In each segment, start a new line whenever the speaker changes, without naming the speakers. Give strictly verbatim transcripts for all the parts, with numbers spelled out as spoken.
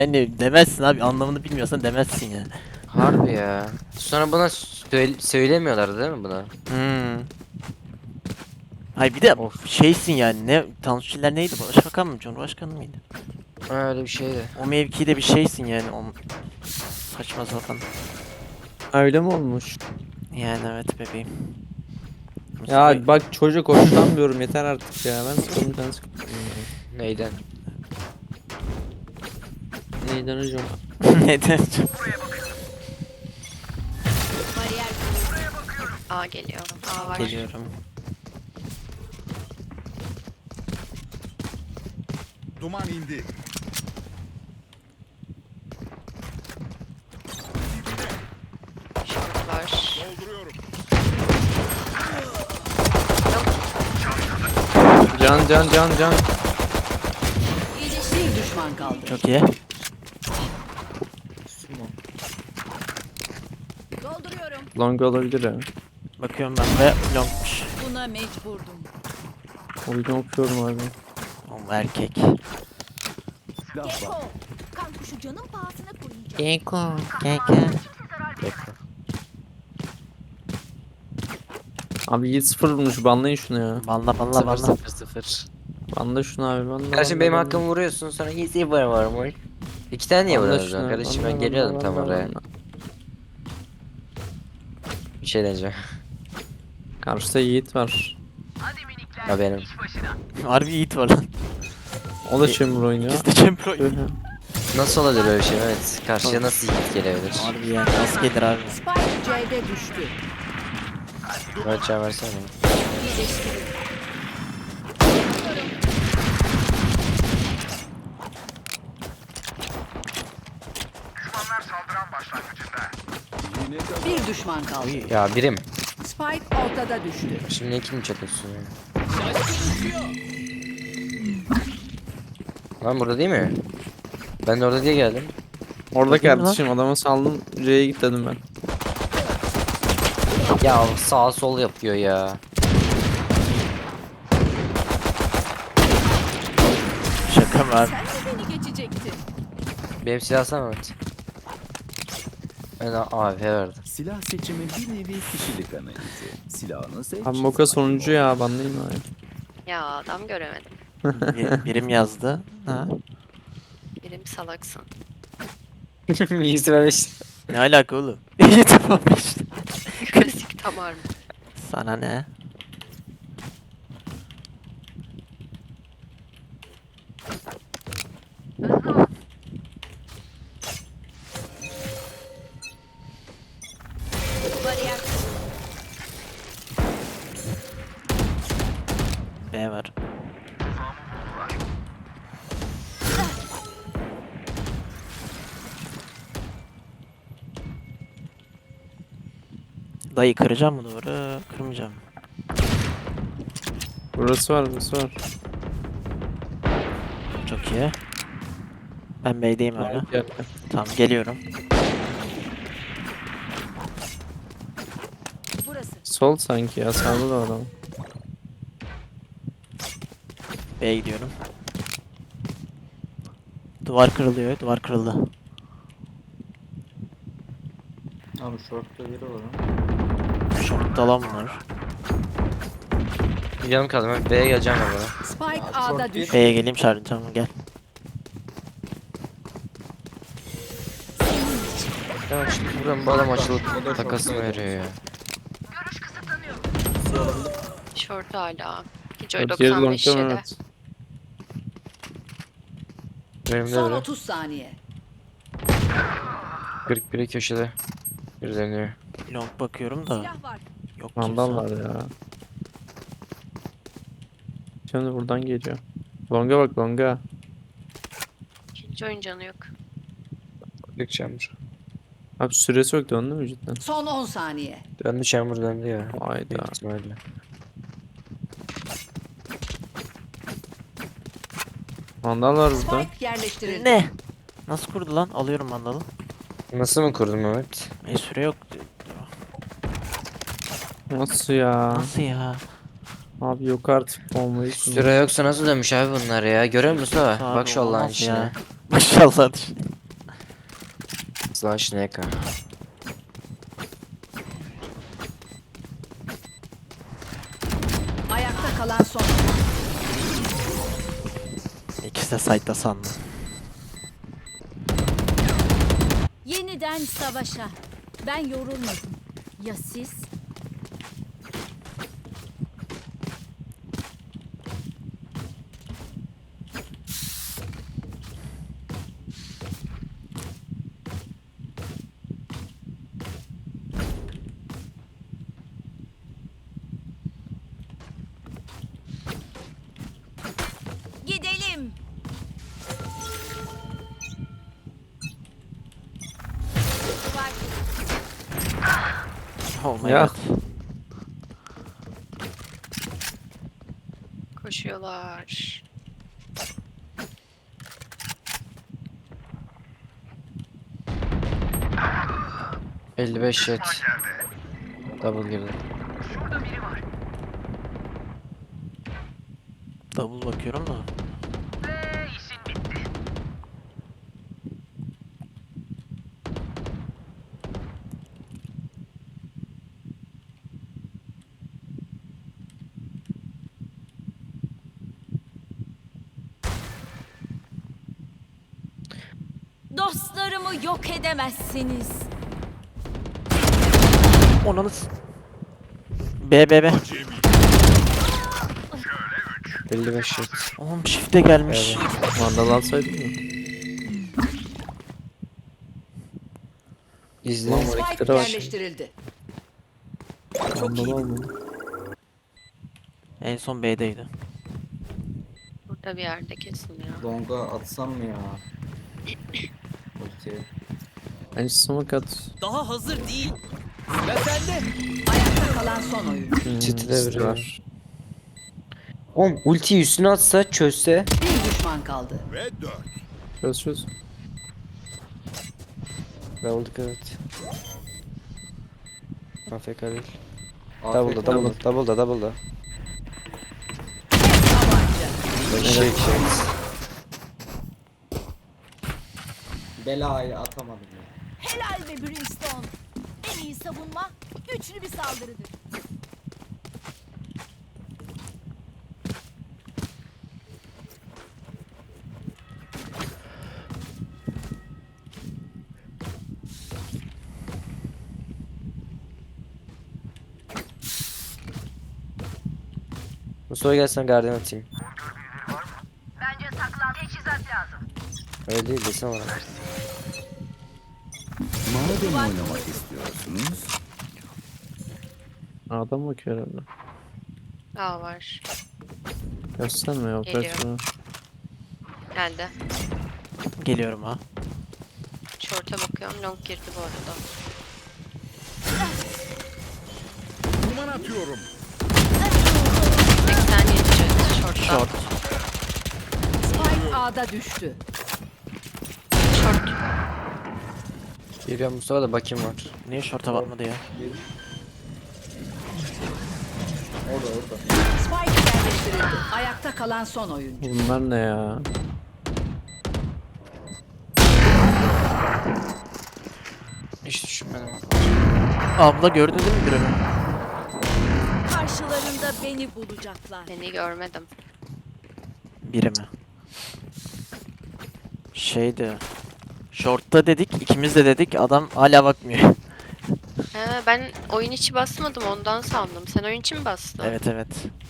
Yani demezsin abi, anlamını bilmiyorsan demezsin yani.
Harbi ya. Sonra buna söyle söylemiyorlar değil mi buna?
Hmm. Hayır bir de
Of.
şeysin yani, ne Tansuçiler neydi, başbakan mı, cumhurbaşkanı mıydı?
Ha, öyle bir şeydi.
O mevkide bir şeysin yani, o saçma sapan.
Öyle mi olmuş?
Yani evet bebeğim.
Ya bak çocuk hoşlanmıyorum yeter artık ya. Ben sıkıldım sen sıkıldım.
Neyden?
Neyden hocam?
Neden?
Bariyer kuruldu. A geliyor. A var.
Geliyorum.
Duman indi.
Short var.
Dolduruyorum.
Can can can can.
Bir düşman kaldı.
Çok iyi.
Dolduruyorum.
Long olabilir ya.
Bakıyorum ben de longmuş.
Buna mecburdum.
Oyunu okuyorum abi.
O erkek.
Gecko. Kan kuşu canın pahasına koyacağım.
Geko. Geko.
Abi Yiğit sıfır vurmuş banlayın şunu ya.
Valla valla
Sıfır
valla.
sıfır sıfır.
Banla şunu abi banla.
Kardeşim
banla,
benim
banla.
hakkımı vuruyorsun sonra easy var var mı? İki tane niye
Banla
vuruyorsun
şunu,
kardeşim,
banla,
ben geliyordum
banla,
tam
banla,
oraya.
banla.
Bir şey diyeceğim.
Karşıda Yiğit var.
Ha benim.
Harbi Yiğit var lan.
O da chamber oynuyor.
Biz de champion
Öyle.
oynuyoruz.
Nasıl olabilir böyle bir şey? Evet. Karşıya nasıl yiğit gelebilir?
Harbi yani, nasıl gelir abi?
Spike C'de düştü.
Evet can versene.
İyileştirin. Bir düşman kaldı.
Ya birim.
Spike ortada düştü.
Şimdi kim çatıyorsun ya? Lan burada değil mi? Ben de orada diye geldim.
Orada
Bakayım lan.
kardeşim adama saldım C'ye git dedim ben.
Ya sağ sol yapıyor ya.
Şaka mı abi?
Sen de beni geçecektin.
Benim silah alsana Mehmet. Ben A F verdim.
Silah seçimi bir nevi kişilik analizi. Silahını seç.
Abi Moka sonuncu ya banlayın abi.
Ya adam göremedim.
Bir- birim yazdı. Ha.
Birim salaksın.
İyisi vermiş.
Ne alaka oğlum? İyi tamam işte.
Klasik tamar mı?
Sana ne?
Bariyer
B var. Dayı kıracağım mı duvarı? Kırmayacağım.
Burası var burası var.
Çok iyi. Ben B'deyim hala.
Gel.
Tamam geliyorum.
burası.
Sol sanki ya sağda da adam.
B'ye gidiyorum. Duvar kırılıyor. Duvar kırıldı.
Abi short'ta biri var ha.
Short'ta lan bunlar.
Canım kaldı. Ben B'ye geleceğim ben bana.
Spike
Abi,
A'da
short
düştü.
B'ye geleyim Şahin, tamam gel.
Ya şimdi buradan bu adam açılıp takasını veriyor ya.
Short hala. Hiç
Bak, geri
doksan beş
long'da
yedi.
evet.
Benim de
Son
öyle.
otuz saniye.
kırk biri köşede. Bir dönüyor.
Long bakıyorum da
Silah var.
yok kimse.
Mandal var ya. Şimdi buradan geliyor. Longa bak longa.
İkinci oyun canı yok.
Dik chamber.
Abi süresi yok döndü mü cidden?
Son on saniye.
Döndü chamber döndü ya.
Hayda.
Büyük ihtimalle.
Mandal var burada.
Spike yerleştirildi.
Ne? Nasıl kurdu lan? Alıyorum mandalı.
Nasıl mı kurdun Mehmet?
E süre yok.
Nasıl ya?
Nasıl ya?
Abi yok artık olmayı.
Süre yoksa nasıl dönmüş abi bunlar ya? Görüyor musun Mustafa?
Abi
Bak şu Allah'ın
olmaz
işine.
ya. Maşallah.
Slash N K.
Ayakta kalan son.
İkisi de site'da sandım.
Yeniden savaşa. Ben yorulmadım. Ya siz? Gidelim.
Oh my
Ya.
god.
Koşuyorlar.
elli beş jet. Double girdi.
Double bakıyorum da.
Dostlarımı yok edemezsiniz.
Onanız. B B B.
elli beş jet.
Oğlum shift'e gelmiş.
Vandal alsaydın mı?
İzle.
Lan var, iki
Spike
lira var.
yerleştirildi.
Vandal almadım.
En son B'deydi.
Burada bir yerde kesin ya.
Longa atsam mı ya? Ulti.
Bence smoke at.
Ayakta kalan son oyuncu.
Hmm,
City'de
City
biri var. Oğlum ultiyi üstüne atsa çözse.
Bir düşman kaldı.
Çöz çöz.
Double evet. A F K değil.
A F K
Double'da double'da double'da double'da.
Tabanca.
Şey şey.
Belayı atamadım ya.
Helal be Brimstone. En iyi savunma güçlü bir saldırıdır.
Mustafa gelsen garden atayım. Bence saklan teçhizat lazım. Öyle değil desene bana.
Madem oynamak istiyorsunuz,
Adam bakıyor herhalde.
A var.
Gösterme ya.
Geliyor.
Kaçma.
Geldi.
Geliyorum ha.
Short'a bakıyorum. Long girdi bu arada. seksen yedi jet. Short'ta.
Short.
Spike A'da düştü.
Short.
Geliyor Mustafa da bakayım var.
Niye short'a bakmadı ya?
Orada orada.
Spike yerleştirildi. Ayakta kalan son oyuncu.
Bunlar ne ya?
Hiç düşünmedim.
Abla gördün değil mi birini?
Karşılarında beni bulacaklar.
Beni görmedim.
Biri mi? Şeydi. Short'ta dedik, ikimiz de dedik. Adam hala bakmıyor.
He, ben oyun içi basmadım ondan sandım. Sen oyun içi mi bastın?
Evet evet.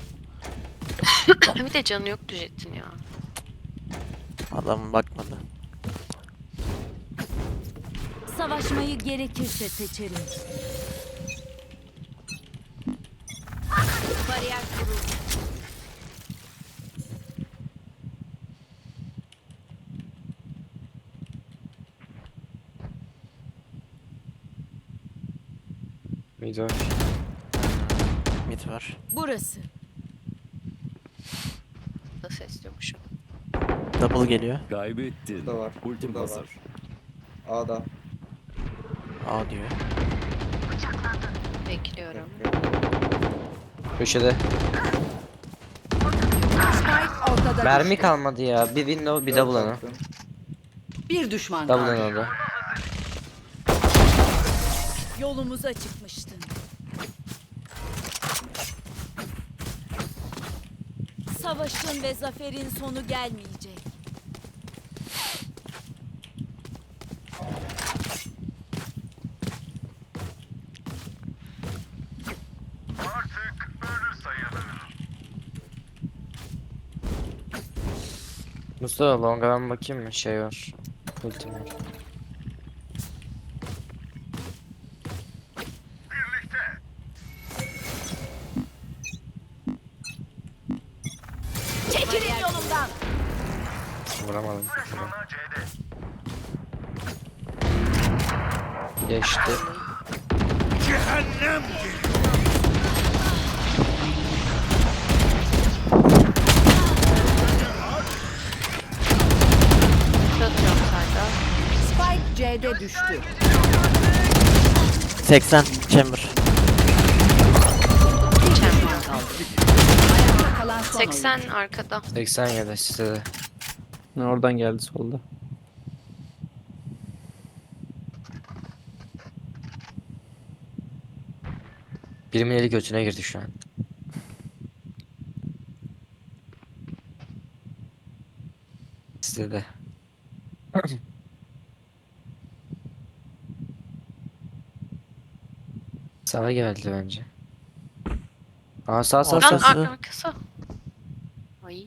Bir de canı yoktu jetin ya.
Adam bakmadı.
Savaşmayı gerekirse seçerim. Bariyer kuruldu.
Mid var.
Mid var.
Burası.
Da ses yokmuşum.
Double geliyor.
kaybettin.
Burada var.
Ultim
Burada
hazır.
var. A'da.
A diyor.
Bekliyorum.
Köşede.
Spike ortada
Mermi
düştü.
kalmadı ya. Bir window bir double ana.
Bir düşman
Double
kaldı.
ana orada.
Yolumuza çıkmıştın. Savaşın ve zaferin sonu gelmeyecek.
Mustafa longa ben bakayım mı? Şey var. Ultim var.
Çekilin yolumdan.
Vuramadım. Geçti.
Atıyorum Serdar.
Spike C'de düştü.
seksen chamber.
Düşman kaldı. Ayakta kalan son oyuncu.
seksen arkada.
seksen yedi size de.
Ne oradan geldi solda.
Birimin eli götüne girdi şu an. Size de. Sağa geldi bence. Aa sağ sağ
Aa,
sağ.
sağ.
Lan
Arkası.
ar- arkası. Ay.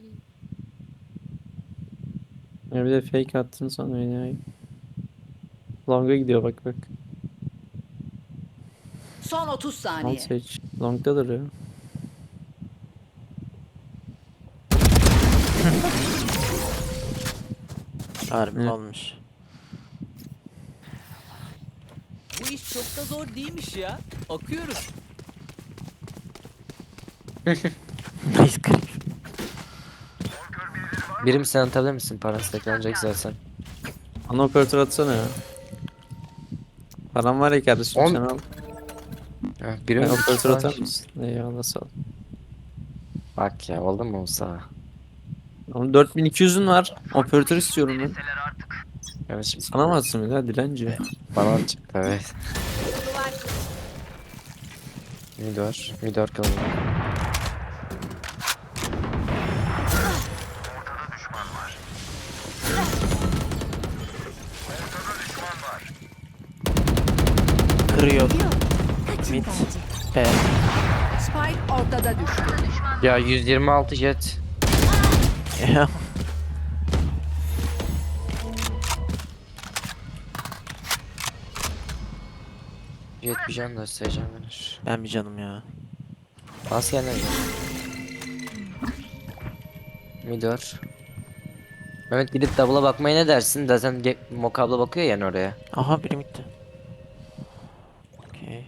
Ya bir de fake attın sonra ya. Long'a gidiyor bak bak.
Son otuz
Al
saniye.
seç. Long'dadır ya.
Harbi
Evet.
olmuş.
Bu iş çok da zor değilmiş ya. Akıyoruz.
Nice creep.
Birim sen atabilir misin? Parası teklenecek zaten.
Ana operatör atsana ya. Param var ya kardeşim
On-
sen al.
Ha, birim
Ben
mi?
operatör atar mısın? Eyvallah sağ ol.
Bak ya oldu mu o sağa?
Oğlum dört bin iki yüzün var. Operatör istiyorum ben.
Evet şimdi
Sana mı atsın bir daha dilenci?
bana çıktı evet. Mid var. Mid var kalın.
Kırıyor. Mid. B.
Spike ortada düştü.
Ya yüz yirmi altı jet.
Ya.
Jet bir can da seveceğim verir.
Ben bir canım ya.
Askerler gel. Mid var. Mehmet gidip double'a bakmaya ne dersin? Zaten ge- mokabla bakıyor yani oraya.
Aha biri midde. Okey.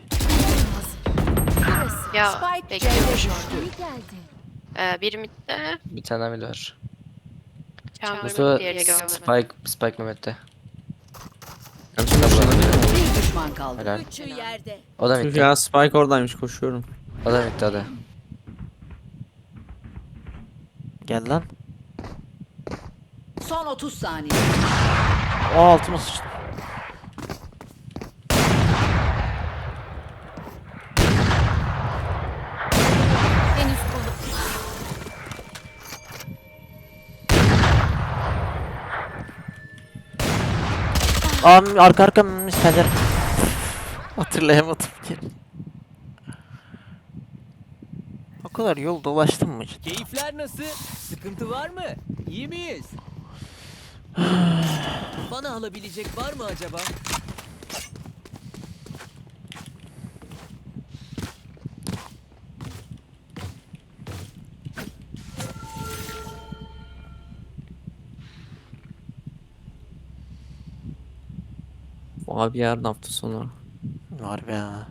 Ya
Spike
bekliyorum
C'de
şu an.
düştü.
İyi geldi.
Ee, bir midde.
Bir tane daha mid var.
Chamber
Mustafa
mid diye görmedim.
Spike, Spike Mehmet'te.
Kardeşim ben şuna değil mi?
Bir düşman kaldı.
Helal.
Üçü yerde.
O da
Tüh
mid'de.
ya Spike oradaymış koşuyorum.
O da mid'de o da.
Gel lan.
Son otuz saniye.
O altıma sıçtım.
Henüz kolu.
Aa arka arka misteller. Hatırlayamadım ki. O kadar yol dolaştım mı cidden?
Keyifler nasıl? Sıkıntı var mı? İyi miyiz? Bana alabilecek var mı acaba?
Abi yarın hafta sonu.
Var be ya.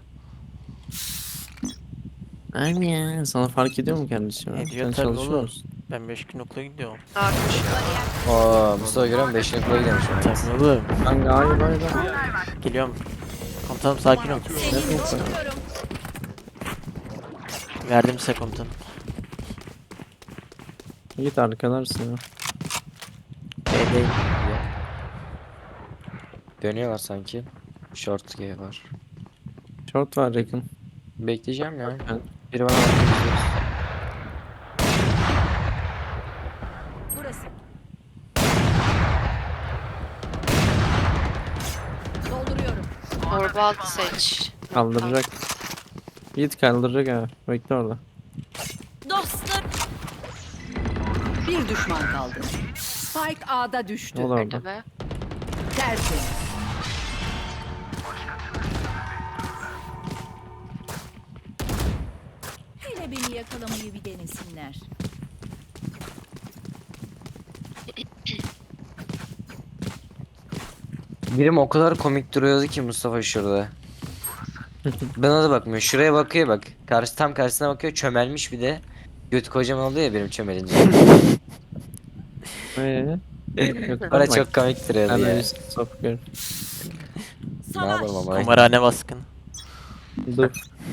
Abi ya sana fark ediyor mu kardeşim? ya?
Ediyor
Sen
tabii
çalışıyor
oğlum.
musun?
Ben beş gün okula gidiyorum.
Aa,
Oo Mustafa görüyor musun? beşinci okula gidiyormuş.
Tabii oğlum.
Kanka hayır hayır hayır.
Geliyorum. Komutanım sakin ol.
Seni dolduruyorum.
Verdim size komutanım.
Git arkadaşsın ya.
B değil.
Dönüyorlar sanki. Short G var.
Short var yakın.
Bekleyeceğim ya.
Evet.
Biri bana bakıyor.
Burası. Dolduruyorum.
Torba altı seç.
Kaldıracak. Yiğit kaldıracak ha. Bekle orada.
Dostlar.
Bir düşman kaldı. Spike A'da düştü.
O da orada.
Nerede be?
Tertemiz.
Hele beni yakalamayı bir denesinler.
Birim o kadar komik duruyordu ki Mustafa şurada. Bana da bakmıyor. Şuraya bakıyor bak. Karşı tam karşısına bakıyor. Çömelmiş bir de. Göt kocaman oluyor ya benim çömelince.
Eee?
Bana çok komik duruyordu
Hadi
ya.
biz sokuyor.
Ne
Savaş.
yapalım ama.
Kumarhane baskın.
Dur.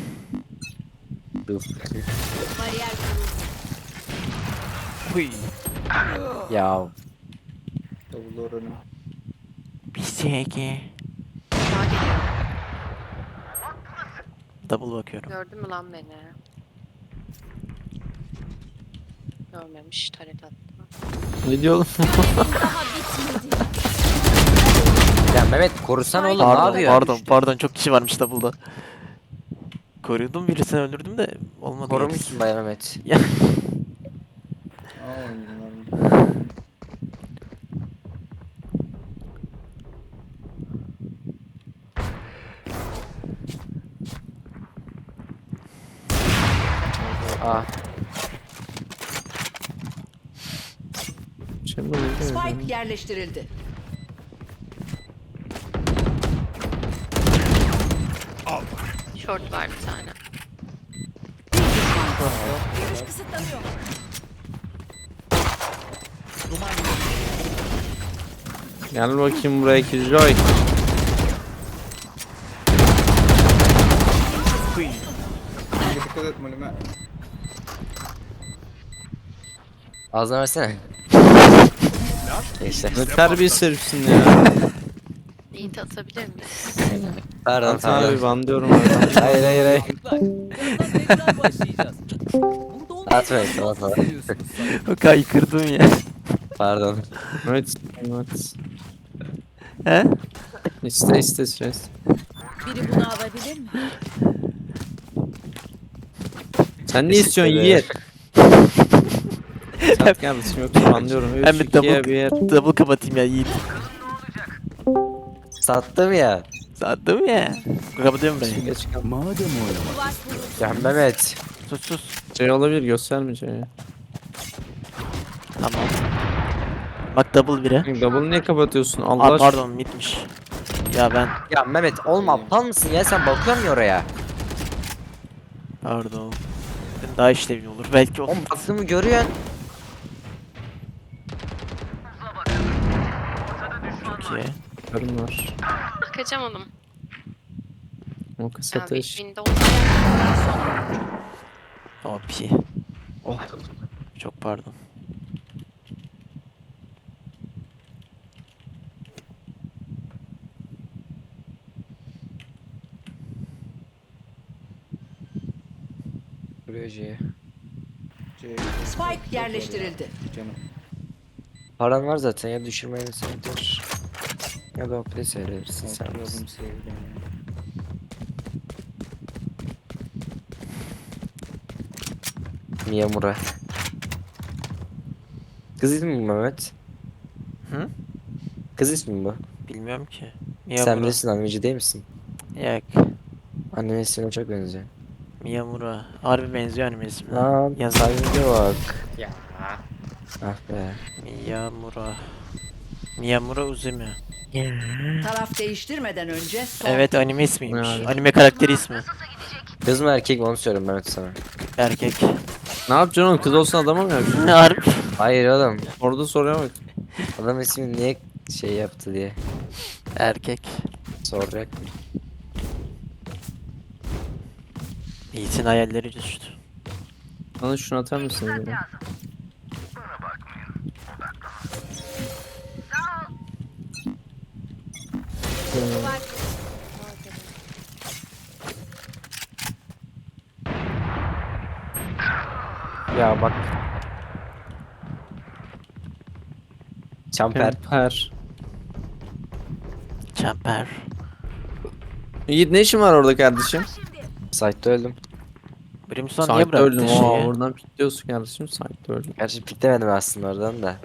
Dur.
Bariyer kuruldu.
Huy.
Ya
Double door önüm.
Bir S G.
Sağa geliyor.
Double bakıyorum.
Gördün mü lan beni? Görmemiş. Taret attı.
Ne diyor oğlum?
Daha bitmedi.
ya Mehmet korusan oğlum ne
Pardon,
yapıyorsun?
pardon, pardon. Çok kişi varmış double'da. Koruyordum, birisini öldürdüm de olmadı.
Korumuşsun Bay Mehmet.
Ya.
Aa oyunlar.
Aa.
Chamber öldü mü?
Spike yerleştirildi.
Short var bir tane.
Görüş kısıtlanıyor.
Gel bakayım buraya Killjoy.
Dikkat et Molime.
Ağzına versene. Gençler.
Ne terbiyesiz herifsin ya.
İyi atabilir miyiz?
Pardon
Ben sana
pardon.
bir ban diyorum oradan.
Hayır hayır hayır.
Çocuklar, birazdan tekrar başlayacağız. Burada olmayı
Atmayın tamam tamam.
seviyorsunuz sanırım.
Kaykırdım ya.
Pardon.
Evet. Evet.
He?
İste iste stres.
Biri bunu alabilir mi?
Sen ne
Teşekkür
istiyorsun
ederim.
Yiğit? Sat kardeşim yoksa anlıyorum.
Ben
üç,
bir
ikiye
double,
bir yer.
double kapatayım ya Yiğit.
Sattım ya.
Sattım ya. Kapatıyorum burayı.
Geç kal.
Madem oynamak
Duvar kuruldu.
Ya Mehmet.
Sus sus.
Şey olabilir göstermeyeceğim ya.
Tamam. Bak double bire.
Double niye kapatıyorsun? Allah
Aa,
aşkına.
pardon mitmiş. Ya ben
Ya Mehmet olma aptal mısın ya sen bakıyorsun ya oraya.
pardon. Daha işlevli olur. Belki o.
Oğlum baktığımı görüyorsun.
Çok iyi.
Karım var.
Kaçamadım.
O kısa
Ya
ateş.
wind'de oldu.
O P. Oh. Çok pardon.
Buraya C'ye.
C.
Spike yerleştirildi.
Canım.
Paran var zaten ya düşürmeyi senedir. Ya da play seyredirsin sen.
Atladım sevdim.
Miyamura. Kız ismi mi Mehmet?
Hı?
Kız ismi mi bu?
Bilmiyorum ki.
Sen
Miyamura.
bilirsin anneci değil misin?
Yok.
Annenin ismine çok benziyor.
Miyamura. Harbi benziyor anime ismine.
Lan
Yazar.
sahibi bak. Ya. Ah be.
Miyamura. Miyamura Uzumi.
Taraf değiştirmeden önce son.
Evet anime ismiymiş.
Yani.
Anime karakteri ismi.
Kız mı erkek mi onu söylüyorum Mehmet sana.
Erkek.
Ne yapacaksın oğlum? Kız olsun adama mı yapacaksın?
Harbi.
Hayır oğlum.
Orada soruya bak.
Adam ismini niye şey yaptı diye
Erkek.
soracak.
Yiğit'in hayalleri düştü.
Bana şunu atar mısın? Ya?
Ya bak. Çamper.
Kemper.
Çemper.
Yiğit ne işin var orada kardeşim?
Site'da öldüm.
Brimstone niye
Site'de
bıraktı
öldüm.
şeyi?
Aa, oradan pikliyorsun kardeşim. Site'de öldüm.
Gerçi piklemedim aslında oradan da.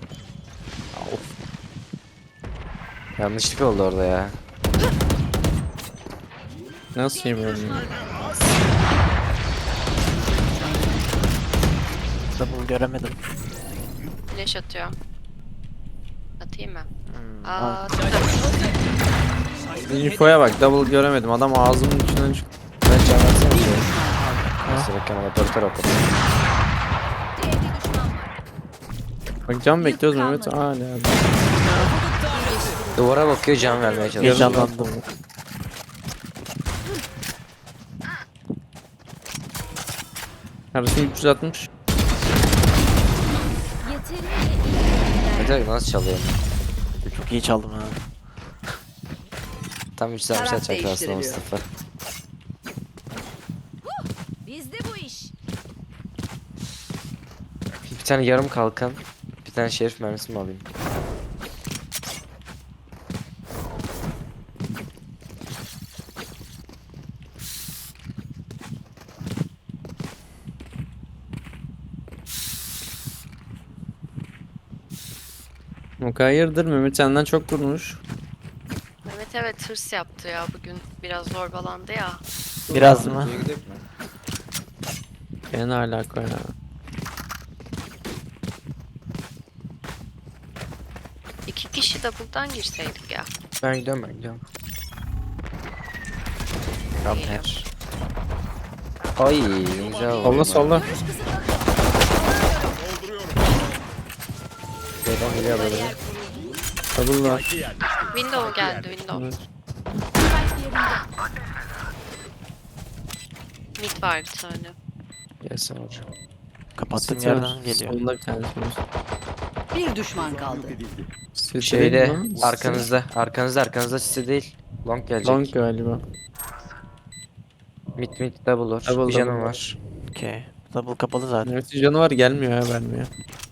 Yanlışlık oldu orada ya.
Nasıl yemiyorum ya?
Double göremedim.
Flash atıyor. Atayım mı?
Hmm,
Aa,
al.
attım.
Infoya bak, double göremedim. Adam ağzımın içinden çıktı.
Ben can versene bir şey. Neyse bakayım operatör operatör.
Diğer bir düşman var.
Bak can bekliyoruz Mehmet. Aa ne abi.
Duvara bakıyor can vermeye çalışıyor.
Heyecanlandım.
Kardeşim üç yüz altmış.
Yeterince iyi.
Ne demek nasıl çalıyor?
Çok iyi çaldım ha.
Tam üç yüz altmış
Taraf
atacak aslında
değiştiriliyor.
Mustafa.
Bizde bu iş.
Bir tane yarım kalkan. Bir tane şerif mermisi mi alayım?
O hayırdır Mehmet senden çok vurmuş.
Mehmet evet hırs yaptı ya bugün. Biraz zorbalandı ya.
Biraz mı?
C'ye gidelim mi?
Gene alaka ya.
İki kişi double'dan girseydik ya.
Ben gidiyorum ben gidiyorum. Kamper. Ay ne güzel oldu.
Solla solla.
Şeyden geliyor böyle.
Double var.
Window geldi window.
Evet.
Spike yerinde.
Mid var bir tane.
Gelsin hocam.
Kapattığım
Site var.
yerden geliyor.
Solunda bir tanesi var.
Bir düşman kaldı.
Site
Şeyde
değil mi?
arkanızda arkanızda arkanızda size değil. Long gelecek.
Long galiba.
Mid mid double olur.
Double,
Bir canım
double.
var.
Okey. Double kapalı zaten.
Mehmet'in canı var gelmiyor ya vermiyor.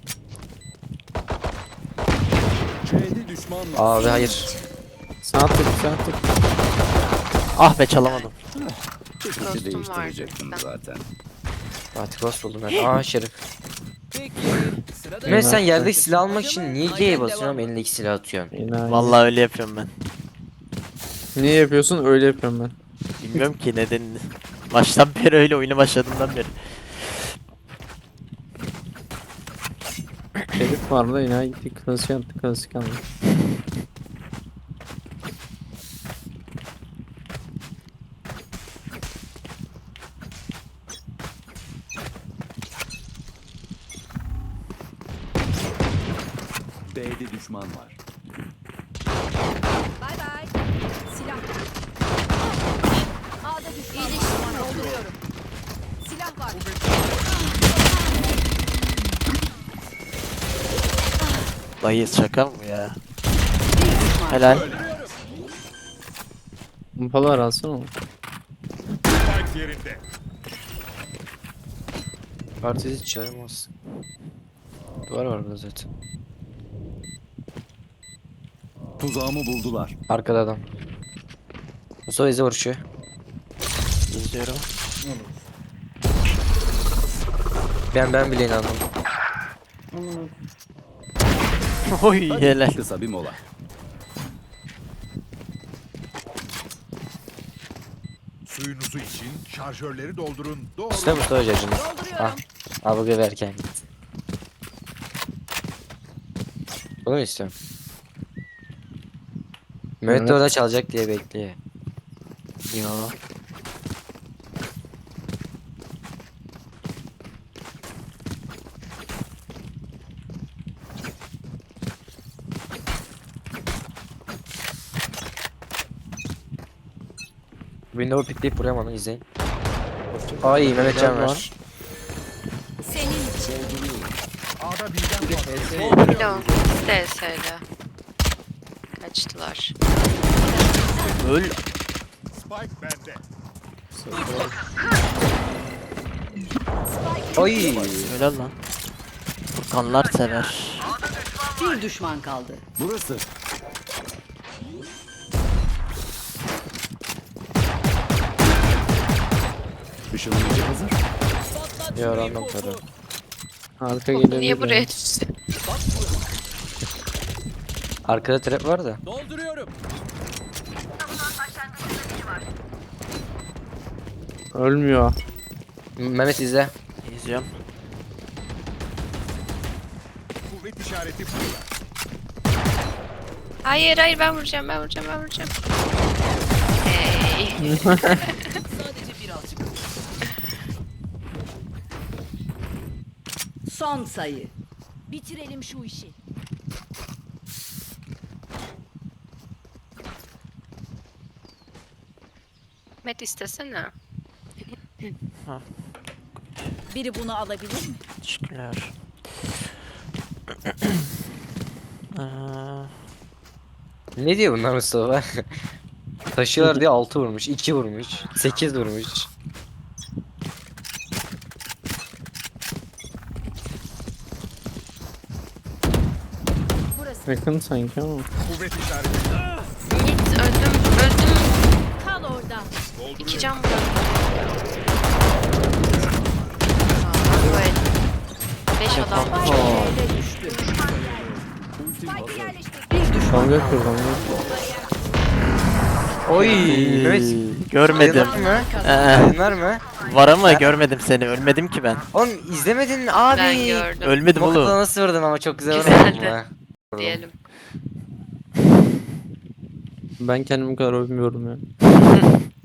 C'de düşman var.
Abi hayır.
Sağ tık sağ tık.
Ah be çalamadım.
Fikri
Dostum
değiştirecektim
var.
zaten.
Fatih Ghost buldum ben. Aa şerif.
Peki. Sırada
Mehmet sen
Evet.
yerdeki silah almak için niye G'ye basıyorsun ama elindeki silah atıyorsun?
Enayi.
Vallahi öyle yapıyorum ben.
Niye yapıyorsun? Öyle yapıyorum ben.
Bilmiyorum ki nedenini. Baştan beri öyle, oyuna başladığımdan beri.
Şerif var da yine gittik klasik yaptık klasik aldık.
B'de düşman var.
Bay bay. Silah. A'da düşman. İyileştirme dolduruyorum. Silah var.
Dayı şaka mı bu ya? Helal.
Pompalar alsana onu.
Partisi hiç çağırmaz. Duvar var burada zaten.
Tuzağımı buldular.
Arkada adam. Mustafa izi vuruşuyor.
İzliyorum.
Ne olur.
Ben ben bile inandım.
Oy helal.
Kısa bir mola.
Suyunuzu için şarjörleri doldurun. Doğru.
İşte Mustafa Hoca'cığım.
Dolduruyorum.
Ah. Al bu geberken git. Bunu mu istiyorum? Mehmet de
Evet.
orada çalacak diye bekliyor.
Yo.
Window pikleyip buraya bana izleyin. Ay Mehmet can ver.
Senin için.
A'da birden fazla.
Window. D S L. Kaçtılar.
Öl.
Spike bende.
Oy.
Öyle lan. Furkanlar sever.
Bir düşman kaldı.
Burası. Işınlayıcı hazır.
Ya random tarı.
Arka gelebilir.
Niye
ya.
buraya düştü?
Arkada trap var da.
Dolduruyorum.
Ölmüyor.
Mehmet izle.
İzliyorum.
Kuvvet işareti burada.
Hayır hayır ben vuracağım ben vuracağım ben vuracağım. Hey.
Sadece birazcık.
Son sayı.
Bitirelim şu işi.
Met istesene.
Biri bunu alabilir mi?
Teşekkürler. Aa,
Ne diyor bunlar Mustafa? Taşıyorlar diye altı vurmuş, iki vurmuş, sekiz vurmuş.
Yakın sanki ama.
Kuvvet işareti.
Git öldüm öldüm.
Kal orada.
İki can bıraktım. Bu el. Beş adam.
B'de düştü.
Spike yerleştir.
Bir düşman
Kavga
kaldı.
yapıyor kavga.
Oy, Mehmet.
görmedim.
Var mı?
Ee,
Var mı?
var ama görmedim seni. Ölmedim ki ben.
Oğlum izlemedin abi.
Ben gördüm.
Ölmedim
Bu kadar
oğlum.
nasıl vurdun ama çok güzel
Güzeldi.
vurdun ama.
Diyelim.
Ben kendimi bu kadar övmüyorum ya.